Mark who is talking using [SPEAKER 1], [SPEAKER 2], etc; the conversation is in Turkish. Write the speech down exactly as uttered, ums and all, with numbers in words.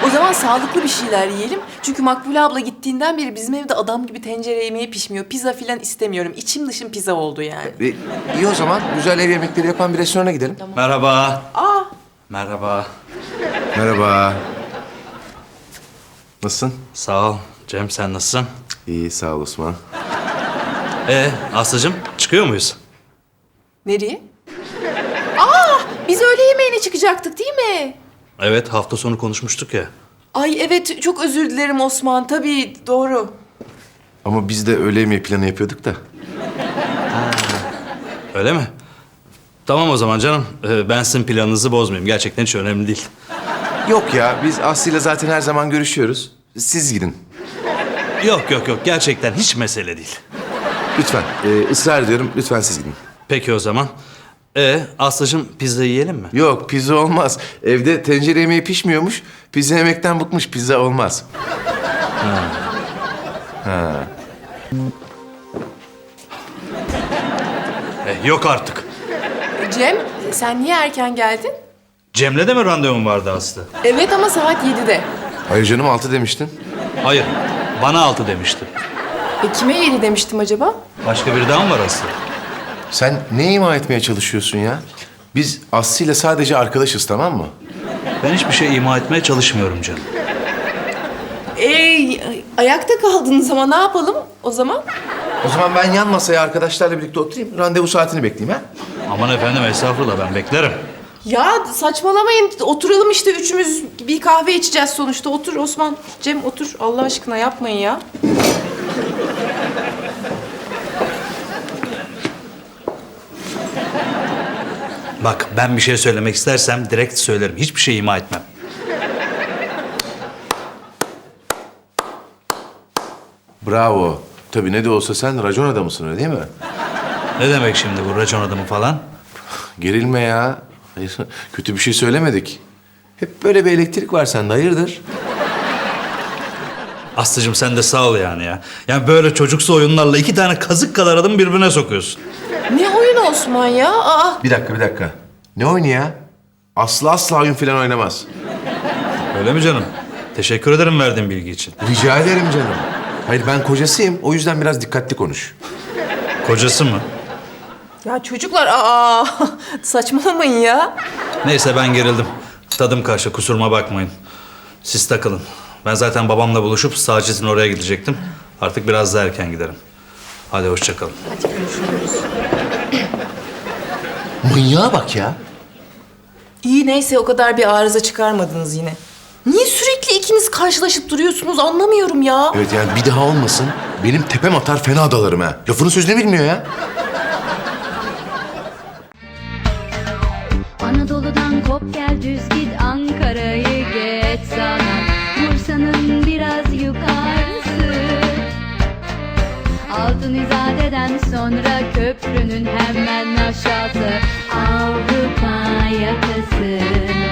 [SPEAKER 1] O zaman sağlıklı bir şeyler yiyelim. Çünkü Makbule abla gittiğinden beri bizim evde adam gibi tencere yemeği pişmiyor. Pizza filan istemiyorum. İçim dışım pizza oldu yani.
[SPEAKER 2] E, iyi o zaman. Güzel ev yemekleri yapan bir restorana gidelim.
[SPEAKER 3] Merhaba.
[SPEAKER 1] Aa,
[SPEAKER 3] Merhaba.
[SPEAKER 2] Merhaba. Nasılsın?
[SPEAKER 3] Sağ ol. Cem sen nasılsın?
[SPEAKER 2] İyi, sağ ol Osman.
[SPEAKER 3] Ee Aslı'cığım çıkıyor muyuz?
[SPEAKER 1] nereye? Aa, biz öğle yemeğine çıkacaktık değil mi?
[SPEAKER 3] Evet hafta sonu konuşmuştuk ya.
[SPEAKER 1] Ay evet, çok özür dilerim Osman. Tabii, doğru.
[SPEAKER 2] Ama biz de öğle yemeği planı yapıyorduk da.
[SPEAKER 3] Öyle mi? Tamam o zaman canım. Ee, ben sizin planınızı bozmayayım. Gerçekten hiç önemli değil.
[SPEAKER 2] Yok ya, biz Aslı'yla zaten her zaman görüşüyoruz. Siz gidin.
[SPEAKER 3] Yok yok yok. Gerçekten hiç mesele değil.
[SPEAKER 2] Lütfen, e, ısrar ediyorum. Lütfen siz gidin.
[SPEAKER 3] Peki o zaman. Ee Aslı'cığım pizza yiyelim mi?
[SPEAKER 2] Yok, pizza olmaz. Evde tencere yemeği pişmiyormuş. Pizza yemekten bıkmış, pizza olmaz.
[SPEAKER 3] Eh, yok artık.
[SPEAKER 1] Cem, sen niye erken geldin?
[SPEAKER 3] Cem'le de mi randevum vardı Aslı?
[SPEAKER 1] Evet ama saat yedide.
[SPEAKER 2] Hayır canım, altı demiştin.
[SPEAKER 3] Hayır. Bana altı demişti.
[SPEAKER 1] E kime yedi demiştim acaba?
[SPEAKER 3] Başka biri daha mı var Aslı?
[SPEAKER 2] Sen ne ima etmeye çalışıyorsun ya? Biz Aslı'yla sadece arkadaşız, tamam mı?
[SPEAKER 3] Ben hiçbir şey ima etmeye çalışmıyorum canım.
[SPEAKER 1] Ee, ayakta kaldınız ama ne yapalım o zaman?
[SPEAKER 2] O zaman ben yan masaya arkadaşlarla birlikte oturayım. Randevu saatini bekleyeyim ha?
[SPEAKER 3] Aman efendim estağfurullah ben beklerim.
[SPEAKER 1] Ya saçmalamayın. Oturalım işte üçümüz. Bir kahve içeceğiz sonuçta. Otur Osman. Cem otur. Allah aşkına yapmayın ya.
[SPEAKER 3] Bak ben bir şey söylemek istersem direkt söylerim. Hiçbir şey ima etmem.
[SPEAKER 2] Bravo. Tabii ne de olsa sen racon adamısın, öyle değil mi?
[SPEAKER 3] Ne demek şimdi bu racon adamı falan?
[SPEAKER 2] Gerilme ya. Hayır, kötü bir şey söylemedik. Hep böyle bir elektrik var sende, hayırdır?
[SPEAKER 3] Aslıcığım sen de sağ ol yani ya. Yani böyle çocuksu oyunlarla iki tane kazık kadar adamı birbirine sokuyorsun.
[SPEAKER 1] Ne oyun Osman ya? Aa,
[SPEAKER 2] Bir dakika, bir dakika. Ne oyunu ya? Aslı asla oyun falan oynamaz.
[SPEAKER 3] Öyle mi canım? Teşekkür ederim verdiğin bilgi için.
[SPEAKER 2] Rica ederim canım. Hayır, ben kocasıyım. O yüzden biraz dikkatli konuş.
[SPEAKER 3] Kocası mı?
[SPEAKER 1] ya çocuklar aa saçmalamayın ya.
[SPEAKER 3] Neyse ben gerildim. Tadım kaçtı kusuruma bakmayın. Siz takılın. Ben zaten babamla buluşup Sacit'in oraya gidecektim. Artık biraz daha erken giderim. Hadi hoşça kalın.
[SPEAKER 2] Manyağa bak ya.
[SPEAKER 1] İyi neyse o kadar bir arıza çıkarmadınız yine. Niye sürekli ikiniz karşılaşıp duruyorsunuz anlamıyorum ya.
[SPEAKER 2] Evet yani bir daha olmasın. Benim tepem atar, fena dalarım ha. Lafının sözünü bilmiyor ya.
[SPEAKER 4] Anadolu'dan kop gel düz git Ankara'yı geç sana Bursa'nın biraz yukarısı Altın İzade'den sonra köprünün hemen aşağısı Avrupa yakası